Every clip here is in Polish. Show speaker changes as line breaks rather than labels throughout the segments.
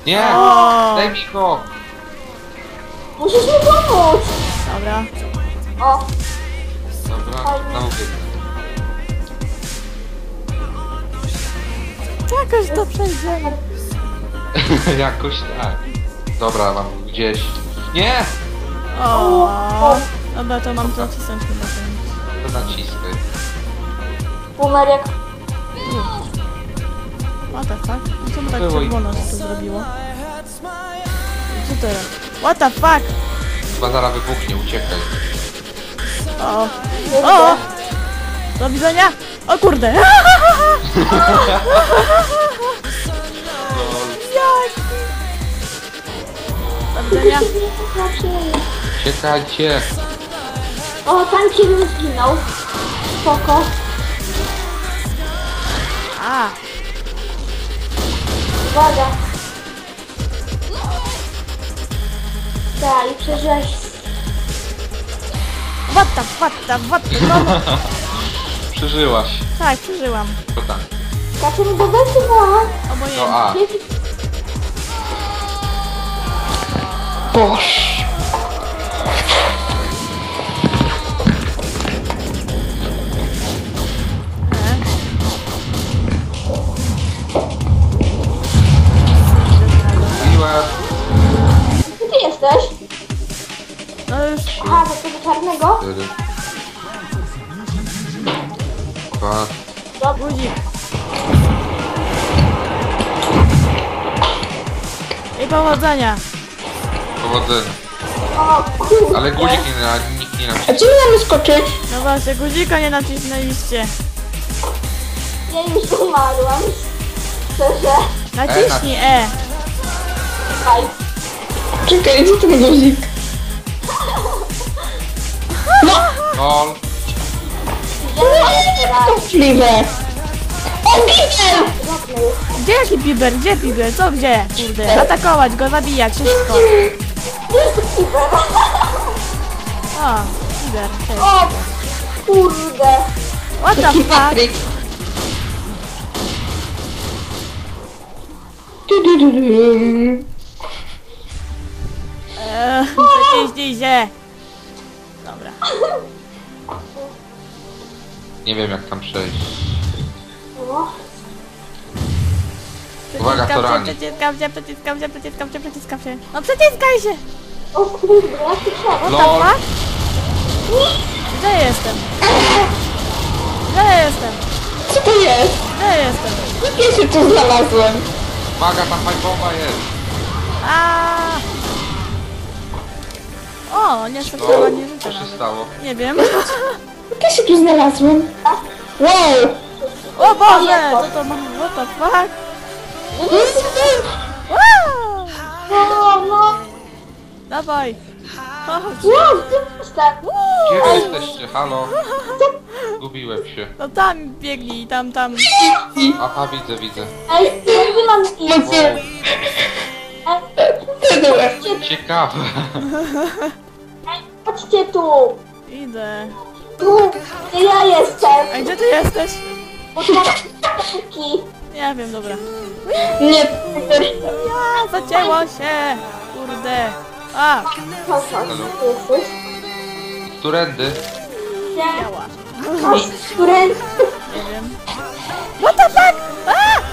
Nie!
O!
Daj mi go!
Musisz mi pomóc!
Dobra.
O,
Dobra, znowu biegnę.
Jakoś to przejdziemy.
Jakoś tak. Dobra, mam gdzieś. Nie!
O. Dobra, to mam to nacisnąć chyba ten.
To naciskaj.
Boomer jak...
What the fuck? Czemu tak
Było i-
czerwono się to zrobiło? Co teraz? What the fuck?
Chyba zaraz wybuchnie, uciekaj.
O. O! Do widzenia! O kurde! Jak? Do widzenia!
Uciekajcie!
O, tanki bym zginął. Spoko.
A!
Uwaga. Tak, i przeżyłeś.
What the, no,
Przeżyłaś.
tak, przeżyłam.
To tak.
Kasia mi dobywa.
To
Obojętnie.
A.
Boż.
Mówiłem.
Gdzie ty jesteś?
No już.
A, do tego czarnego?
4. 2.
Budzik. I powodzenia.
Powodzenia.
O, kurde.
Ale guzik nikt nie
A
nacisnął.
gdzie my mamy skoczyć?
No właśnie, guzika nie nacisnęliście.
Ja już umarłam. Szczerze.
Naciśnij E.
Aj.
Czekaj, gdzie ten guzik?
Gol.
Możliwe. O, Bibel!
Gdzie jaki biber? Gdzie biber? Co gdzie? Kurde. Atakować go, zabijać, wszystko. O, biber. Cześć.
O, kurde.
What the fuck?
Patryk. Du.
Zaciśnij się. Dobra.
Nie wiem jak tam przejść.
O,
Uwaga, to rani.
Przeciskam się. No przeciskaj się.
o kurde, jak ty szedł?
What the
Lol.
fuck? Gdzie jestem? Gdzie jestem?
Co to jest?
Gdzie jestem?
Ja się tu znalazłem.
Uwaga, tam fajbowa jest.
A. O, nie
No,
strzelała, nie
co
rzucę
się
nawet.
stało?
Nie wiem.
Ja się tu znalazłem. Wow!
O Boże, co to ma? What the fuck? Wow!
No, no.
Dawaj. Chodź.
Wow, ty jesteś.
Gdzie wy jesteście? Halo? Zgubiłem się.
No tam biegnij, tam.
Aha, widzę.
Ej, jakby mam iść?
Wow,
Ej,
ciekawe.
chodźcie tu.
Idę.
Tu, gdzie ja jestem.
A gdzie ty jesteś?
Bo tu mam tanki.
Nie wiem, dobra.
Nie,
Ja, zacięło się. Kurde. A,
Chodź, tu jesteś.
Którędy?
Gdzie?
działa.
Chodź, którędy?
Nie wiem. What the fuck? A!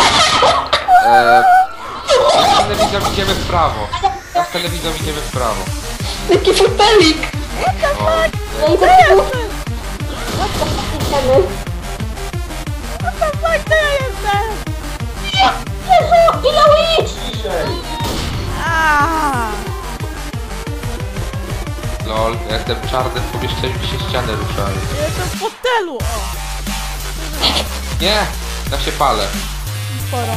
Ja z telewizją idziemy w prawo. Ja z telewizją idziemy w prawo.
taki fotelik.
O,
No i
Gdzie
tak tu
jestem?
idziemy.
What the fuck, gdzie ja jestem?
Jezu, ile idź?
A!
lol, ja jestem w czarnym pomieszczeniu, gdzie się ściany ruszają.
Jestem w fotelu. O,
Nie! Ja się palę.
sporo.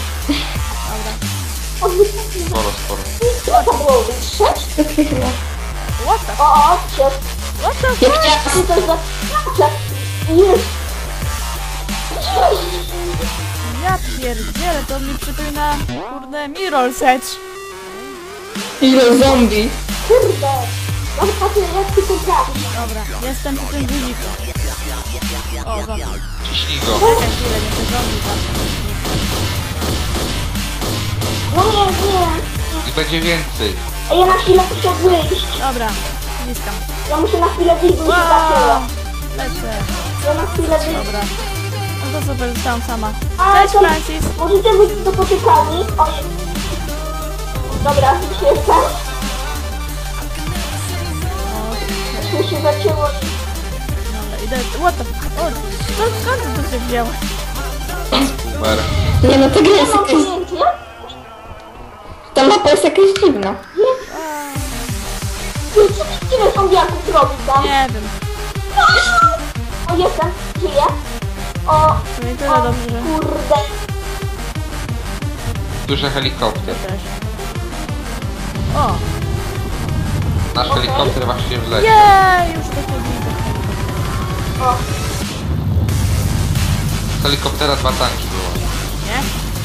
Dobra.
Sporo.
Co to było? Wytrzeć?
What the
O, się.
What the
Ja
fuck?
chciałam...
Ty to za... Jest.
Ja pierdzielę, to mi przypomina, kurde, Mirror's Edge.
Ile zombie.
Kurde. Mam takie, jak ty to trafisz.
Dobra, jestem przy tym guziku. O, zombie.
Ciśnij go.
Czekaj chwilę, nie te zombie tam.
No,
I będzie więcej.
A ja na chwilę muszę wyjść.
Dobra, ściskam.
Ja muszę na chwilę wyjść, bo mi się zaczęło.
Lecę.
Ja na chwilę wyjść.
Dobra. No to super, zostałam sama.
A,
Cześć
to-
Francis.
Możecie być do poczekalni. Ojej. Dobra, już jestem. Już mi się zaczęło.
Dobra, idę. What the fuck? O, skąd to się wzięło?
Super.
Nie no, ta gra
Nie
jest
mam
jakaś...
pojęcia.
Ta mapa jest jakaś dziwna.
Co mi tyle zombiaków robi tam?
Nie wiem.
O, jestem. Żyję. O,
To nie tyle
o
dobrze.
kurde.
Słyszę helikopter.
Ja też. O!
Nasz helikopter właśnie wleci.
Jej! Już to widzę.
O,
Z helikoptera 2 tanki było.
Nie?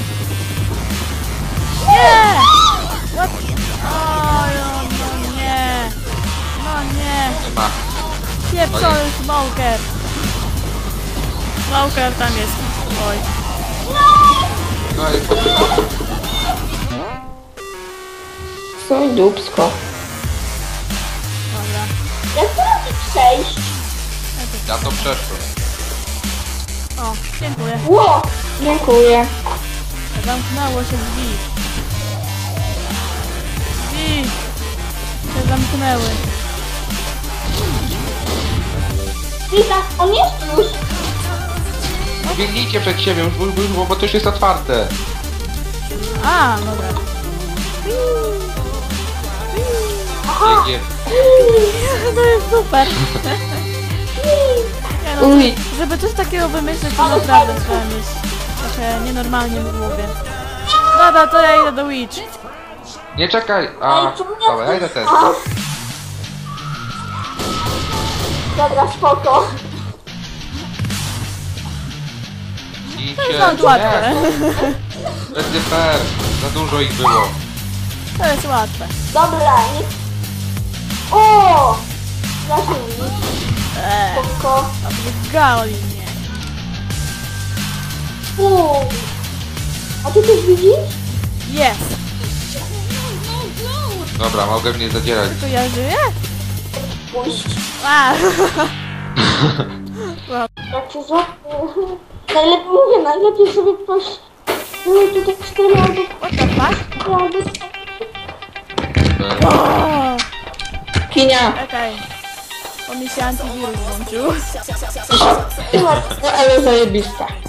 Nie! What? O, no nie! No nie!
Nie ma.
Pieprzony smoker! Smoker tam jest. Oj.
No i to
Co dupsko.
Dobra.
jak teraz mi przejść?
ja to przeszłem.
O, dziękuję.
Ło,
Dziękuję.
Zamknęło się drzwi. Drzwi się zamknęły.
witam, on jest już.
Biegnijcie przed siebie, bo to już jest otwarte.
A, dobra.
Biegnie.
To jest super. Nie no,
Uj.
żeby coś takiego wymyślić, to naprawdę trzeba mieć trochę nienormalnie w głowie. Dobra, to ja idę do Witch.
Nie czekaj. A,
Ej, czemu nie
dobra, ja idę też.
A. Dobra, spoko.
Idźcie.
To jest łatwe.
Nie, będzie fair. Za dużo ich było.
To jest łatwe.
Dobra, nie... O! Zażyli, spoko.
Obrygali mnie.
A ty coś widzisz?
Jest.
Dobra, mogę mnie zadzierać.
To ja żyję?
Puść.
A.
Jak się złapie... Najlepiej mówię, najlepiej sobie ktoś... Tutaj 4 albo...
What the fuck?
albo...
O,
Kinia.
czekaj. Bo mi się antywirus włączył.
No ale zajebista.